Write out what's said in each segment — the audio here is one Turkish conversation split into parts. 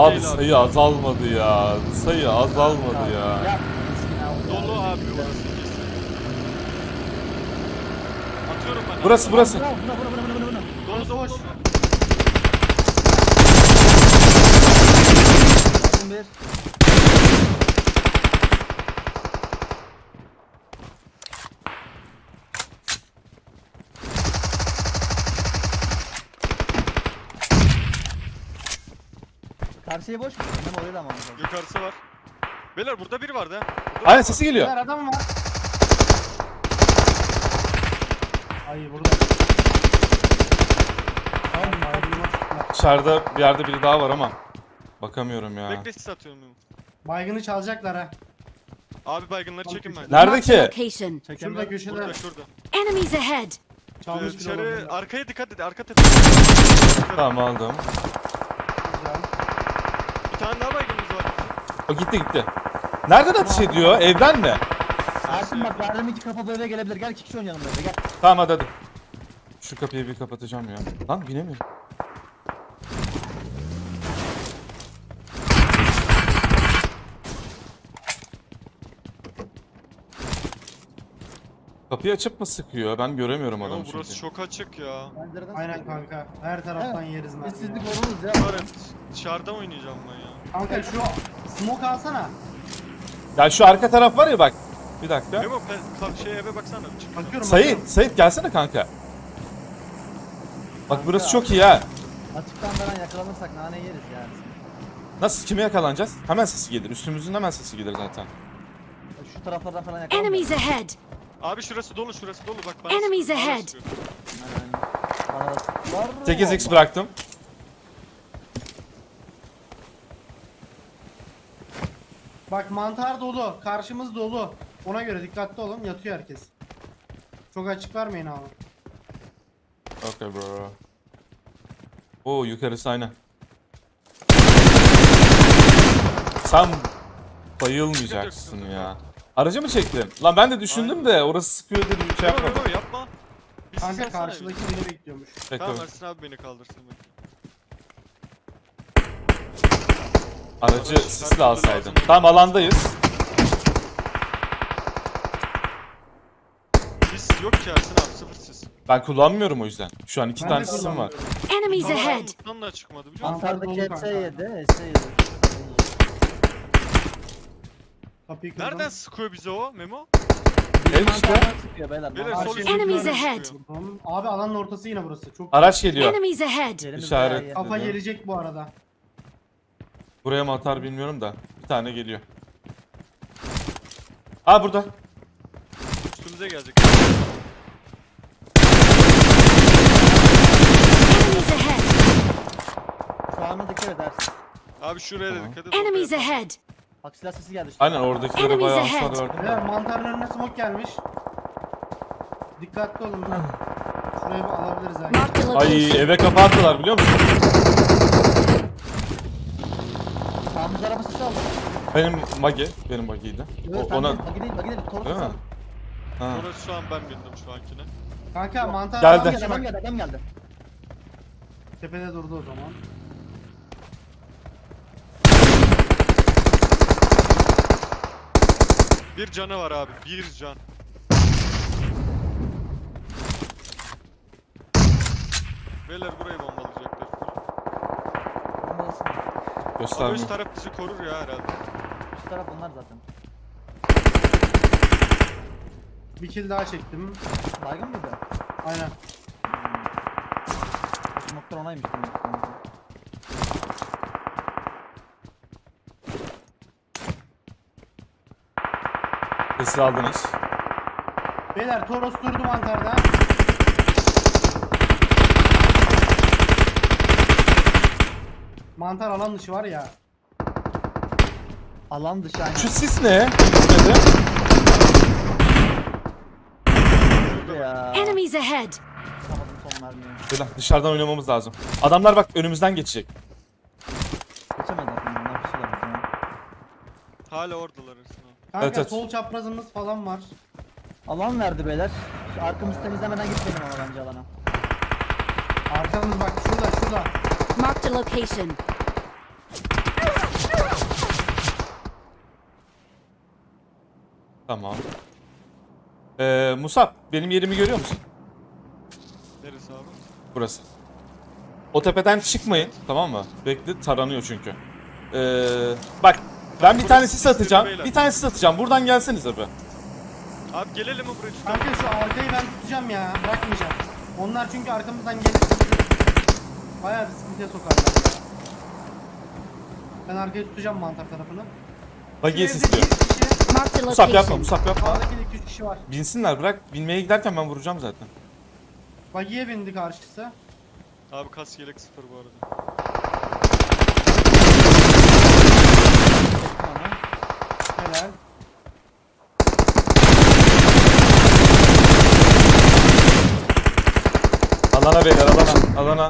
Abi sayı azalmadı ya. Sayı azalmadı ya. Dolu abi orası kesin. Atıyorum ben. Burası. Dolu dolu. Bir. Karşıya boş mu? Hem oraya da mı alacağız? Yukarısı var. Beyler burada biri vardı ha. Aynen sesi geliyor. Beyler adam var. Ay burada. Tamam baygınlar. Dışarıda bir yerde biri daha var ama. Bakamıyorum ya. Bekle sis atıyorum. Baygını çalacaklar ha. Abi baygınları çekin ben. Nerede Marked a ki? location. Şurada köşede Burada şurada. Enemies ahead. çalmış bir Dışarı olabilir. arkaya dikkat et. Arka tepe. Tamam aldım. Güzel. Bir tane daha baygınımız var. O gitti. Nereden atış ediyor? Evden mi? Ersin bak verdiğim iki kafa bu eve gelebilir. Gel iki kişi oynayalım böyle gel. Tamam hadi. Şu kapıyı bir kapatacağım ya. Lan binemiyorum. Kapıyı açıp mı sıkıyor? Ben göremiyorum adamı Ama çünkü. burası çok açık ya. Pencereden Aynen sıkıyor. kanka. Her taraftan Evet. yeriz mermi. Sessizlik ya. oluruz ya. Var dışarıda oynayacağım ben ya. Kanka şu smoke alsana. Ya şu arka taraf var ya bak. Bir dakika. Memo şey eve baksana. Çık. Bakıyorum. Sait gelsene kanka. Bak burası çok iyi ha. Açıktan falan yakalanırsak nane yeriz yani. Nasıl kime yakalanacağız? Hemen sesi gelir. Üstümüzün hemen sesi gelir zaten. Şu taraflardan falan Enemies yakalanırız. ahead. Abi şurası dolu bak bana. Enemies bana ahead. sıkıyor. Bana da sıktılar. 8x bıraktım. Bak mantar dolu. Karşımız dolu. Ona göre dikkatli olun. Yatıyor herkes. Çok açık vermeyin abi. Okay bro. Oo yukarısı aynen. Sen bayılmayacaksın ya. Aracı mı çektin? Lan ben de düşündüm de orası sıkıyor diye bir şey Memo yapmadım. Memo yapma. Bir Kanka sis atsana karşıdaki bir. beni bekliyormuş. Tamam Bekle. Ersin abi beni kaldırsın. Bekle. Aracı sisle alsaydın. Tamam alandayız. Sis yok ki Ersin abi sıfır sis. Ben kullanmıyorum o yüzden. Şu an iki Ben tane de sisim var. kullanmıyorum. Enemies ahead. Armut'tan da çıkmadı biliyor musun? Mantardaki Mantar dolu HS7, HS7. Kapıyı kırdım. Nereden sıkıyor bize o Memo? Ev işte. Mantardan sıkıyor beyler. Beyler mantar- sol Enemies üstünden ahead. sıkıyor. Tamam. Abi alanın ortası yine burası. Çok Araç geliyor. Enemies ahead. Yerimiz İşaret. bayağı iyi. kafa Dedi. gelecek bu arada. Buraya mı atar bilmiyorum da. Bir tane geliyor. Aa burada. Üstümüze gelecek. Enemies ahead. Sağına dikkat et Ersin. Abi şuraya da Tamam. dikkat et. Enemies oraya yapalım. ahead. Bak silah sesi geldi işte. Aynen oradakilere Enemies bayağı ahead. hasar verdim. Evet mantarın önüne smoke gelmiş. Dikkatli olun. Şurayı bir alabiliriz ha. Marked a Ay location. eve kafa attılar biliyor musun? Sağımız araba sesi aldı. Benim Magi. Benim Magi'ydi. Evet, Ona... Bagi değil, bagi değil. Toros Değil sesi mi? aldı. Ha. Orası şu an ben bindim şu ankine. Kanka mantar Geldi. Adam geldi, adam geldi. tepede durdu o zaman. Bir canı var abi. Bir can. Beyler burayı bombalayacaklar. Bombalasın. Ama Göstermiyor. üst taraf bizi korur ya herhalde. Üst taraf onlar zaten. Bir kill daha çektim. Baygın mıydı? Aynen. Smoke'lar onaymış. demek ki. Sesi aldınız. Beyler Toros durdu mantarda. Mantar alan dışı var ya. Alan dışı aynen. Şu sis ne? Gitmedi. Ya. Enemies ahead. Tutamadım son mermiyi. Böyle dışarıdan oynamamız lazım. Adamlar bak önümüzden geçecek. Geçemedi aklımdan. Ne yapışıyorlar bize ya. Hala oradalar Ersin abi. Kanka Evet, evet. sol çaprazımız falan var. Alan verdi beyler. Şu arkamızı temizlemeden gitmeyelim ama bence alana. Arkamız bak şurada. Marked a location. Tamam. Musab benim yerimi görüyor musun? Neresi abi? Burası. O tepeden çıkmayın, tamam mı? Bekle, taranıyor çünkü. Bak ben bir tane sis atacağım. Bir tane sis atacağım. Buradan gelsenize be. Abi gelelim mi buraya tutalım? Kanka şu arkayı ben tutacağım ya. Bırakmayacağım. Onlar çünkü arkamızdan gelir. Bayağı bir sıkıntıya sokarlar ya. Ben arkayı tutacağım mantar tarafını. Bagiye Şu evde sisliyor. bir kişi, Marked a Musab yapma, location. Musab yapma. sağdaki de 2-3 kişi var. Binsinler, bırak. Binmeye giderken ben vuracağım zaten. Bagiye bindi karşısı. Abi kas yelek 0 bu arada. Helal. Alana beyler, alana. Alana.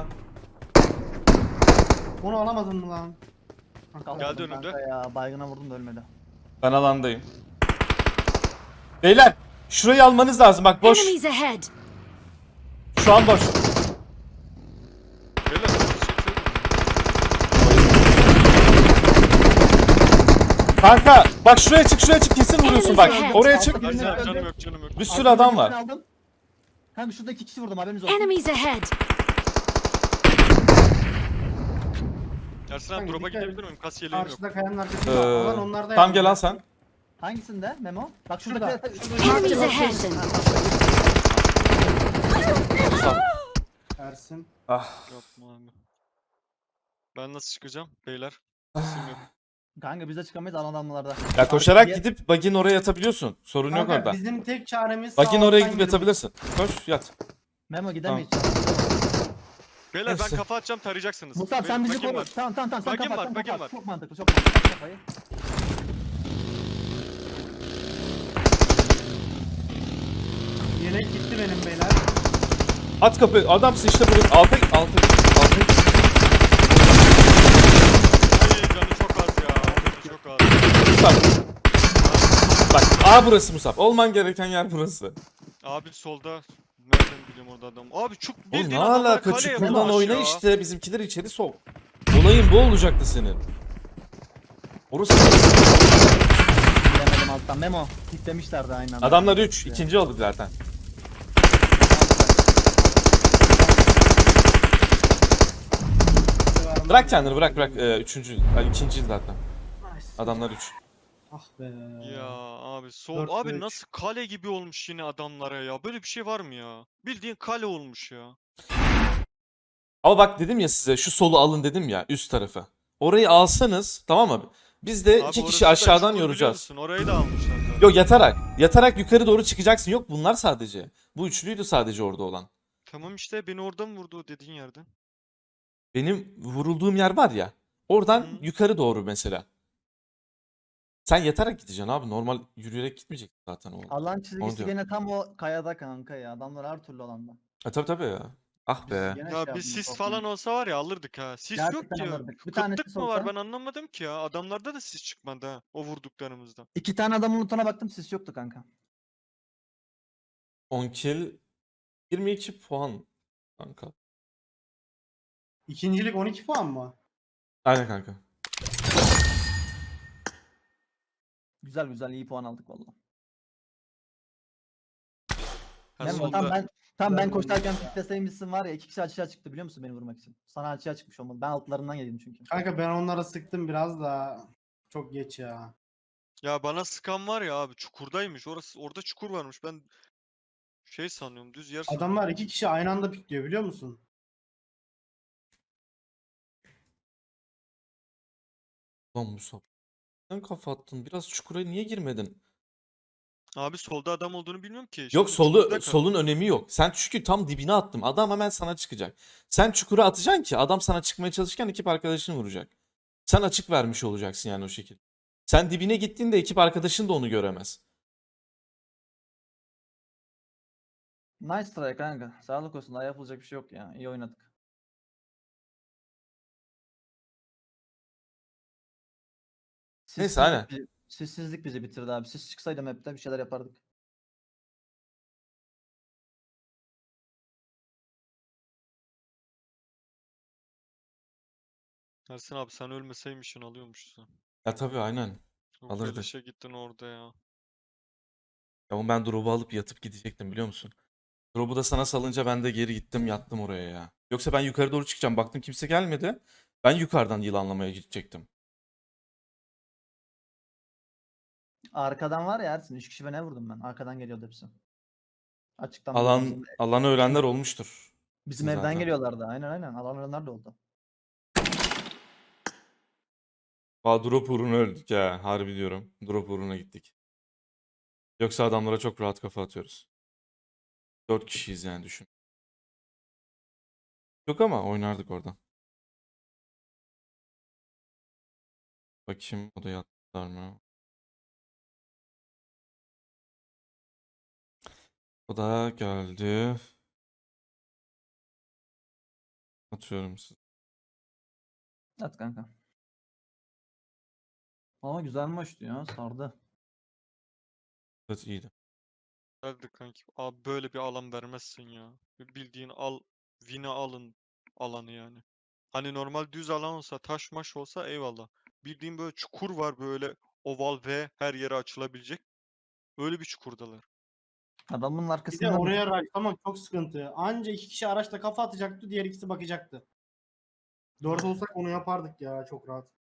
Onu alamadın mı lan? Geldi önümde. Kanka ya baygına vurdum da ölmedi. Ben alandayım. Beyler, şurayı almanız lazım. Bak boş. Enemies ahead. Şu an boş. Beyler hızlı çekseydim. Kanka bak şuraya çık, şuraya çık, kesin vuruyorsun bak. Oraya çık. Ersin abi canım yok canım yok. Bir sürü adam var. Aldım. Kanka şurada 2 kişi vurdum haberiniz olsun. Enemies ahead. Ersin abi Kanka, drop'a dikkat et. gidebilir miyim? Kas yeleğim yok. Karşıda kayanın arkasında. Alan onlarda Tam yani. gel lan sen. Hangisinde Memo? Bak şurada. Enemies ahead. Musab. Ersin. Ah. Yapma abi. Ben nasıl çıkacağım beyler? Sesim yok. Kanka biz de çıkamayız alan adamlarda. Ya koşarak gidip bagin oraya yatabiliyorsun. Sorun yok Kanka orada. bizim tek çaremiz Bagin sağ oraya alttan gidip yürümek. yatabilirsin. Koş yat. Memo gidemeyiz. Beyler ben Neyse. kafa atacağım tarayacaksınız. Musab sen bizi Bakayım koru. var. Tamam sen Bagim kapat var, sen bagim kapat. var. Çok mantıklı çok mantıklı kafayı. Yelek gitti benim beyler. At kapı. Adamsın işte buraya. Altı. Ay canı çok az ya. Canı çok az. Musab. Bak A burası Musab. Olman gereken yer burası. Abi solda. Nereden biliyorum orada adam? Abi çok Oğlum bildiğin ne adamlar alaka? kaleye Çukurdan vurmuş oyna ya. işte. Bizimkileri içeri sok. Olayın bu olacaktı senin. Orası. Gidemedim alttan. Memo kitlemişlerdi aynı anda. Adamlar 3. İkinci olduk zaten. Bırak kendini bırak. Üçüncü. Ay, ikinci zaten. Nice. Adamlar 3. Ah be. Ya abi sol Dört abi ve üç. nasıl kale gibi olmuş yine adamlara ya. Böyle bir şey var mı ya? Bildiğin kale olmuş ya. Ama bak dedim ya size şu solu alın dedim ya üst tarafı. Orayı alsanız tamam mı? Biz de Abi iki orası kişi da aşağıdan çukur biliyor yoracağız. musun? Orayı da almışlar zaten. Yok yatarak. Yatarak yukarı doğru çıkacaksın. Yok bunlar sadece. Bu üçlüydü sadece orada olan. Tamam işte beni oradan vurdu o dediğin yerden. Benim vurulduğum yer var ya. Oradan Hı. yukarı doğru mesela. Sen yatarak gideceksin abi. Normal yürüyerek gitmeyeceksin zaten o. Alan çizgisi diyorum. gene tam o kayada kanka ya. Adamlar her türlü alanda. Tabii ya. Ah be. Gene Ya şey bir yaptım, sis çok falan iyi. olsa var ya alırdık ha. Sis yok Gerçekten ki. alırdık. Bir tane Kıtlık sis mı var olsa- ben anlamadım ki ya. Adamlarda da sis çıkmadı ha. O vurduklarımızda. 2 tane adamın lootuna baktım sis yoktu kanka. 10 kill 22 puan kanka. İkincilik 12 puan mı? Aynen kanka. Güzel iyi puan aldık valla. Ha, Memo solda. tam ben Güzel koşarken olmuş ya. pikleseymişsin var ya 2 kişi açığa çıktı biliyor musun beni vurmak için. Sana açığa çıkmış olmalı. Ben altlarından yedim çünkü. Kanka ben onlara sıktım biraz da çok geç ya. Ya bana sıkan var ya abi çukurdaymış. Orada çukur varmış. Ben şey sanıyorum düz yer sanıyorum. Adamlar 2 kişi aynı anda pikliyor biliyor musun? Lan Musab. Sen kafa attın. Biraz çukura niye girmedin? Abi solda adam olduğunu bilmiyorum ki. Yok Şimdi çukurda kal- solun önemi yok. Sen çünkü tam dibine attım. Adam hemen sana çıkacak. Sen çukura atacaksın ki adam sana çıkmaya çalışırken ekip arkadaşını vuracak. Sen açık vermiş olacaksın yani o şekilde. Sen dibine gittiğinde ekip arkadaşın da onu göremez. Nice try kanka. Sağlık olsun. Daha yapılacak bir şey yok ya. İyi oynadık. Neyse, aynen. Sessizlik bizi bitirdi abi. Siz çıksaydı map'te bir şeyler yapardık. Ersin abi sen ölmeseymişsin alıyormuşsun. Ya tabii aynen. Çok Alırdık. beleşe gittin orada ya. Ama ben drop'u alıp yatıp gidecektim biliyor musun? Drop'u da sana salınca ben de geri gittim yattım oraya ya. Yoksa ben yukarı doğru çıkacağım. Baktım kimse gelmedi. Ben yukarıdan yılanlamaya gidecektim. Arkadan var ya Ersin 3 kişi ne vurdum ben. Arkadan geliyordu hepsi. Açıktan böyle Alanı öğrenler olmuştur. bizim evden zaten. geliyorlardı. Aynen. Alan ölenler de oldu. Aa, drop uğruna öldük ya. Harbi diyorum. Drop uğruna gittik. Yoksa adamlara çok rahat kafa atıyoruz. 4 kişiyiz yani düşün. Yok ama oynardık oradan. Bakayım odaya attılar mı? O da geldi. Atıyorum size. At kanka. Ama güzel maçtı ya sardı. Evet iyiydi. Hadi kanki. Abi böyle bir alan vermezsin ya. Bildiğin win'i alın alanı yani. Hani normal düz alan olsa taş maş olsa eyvallah. Bildiğin böyle çukur var böyle oval ve her yere açılabilecek. Öyle bir çukurdalar. Adamın Bir de arkasından oraya rushlamak çok sıkıntı. Anca 2 kişi araçla kafa atacaktı, diğer ikisi bakacaktı. 4 olsak onu yapardık ya çok rahat.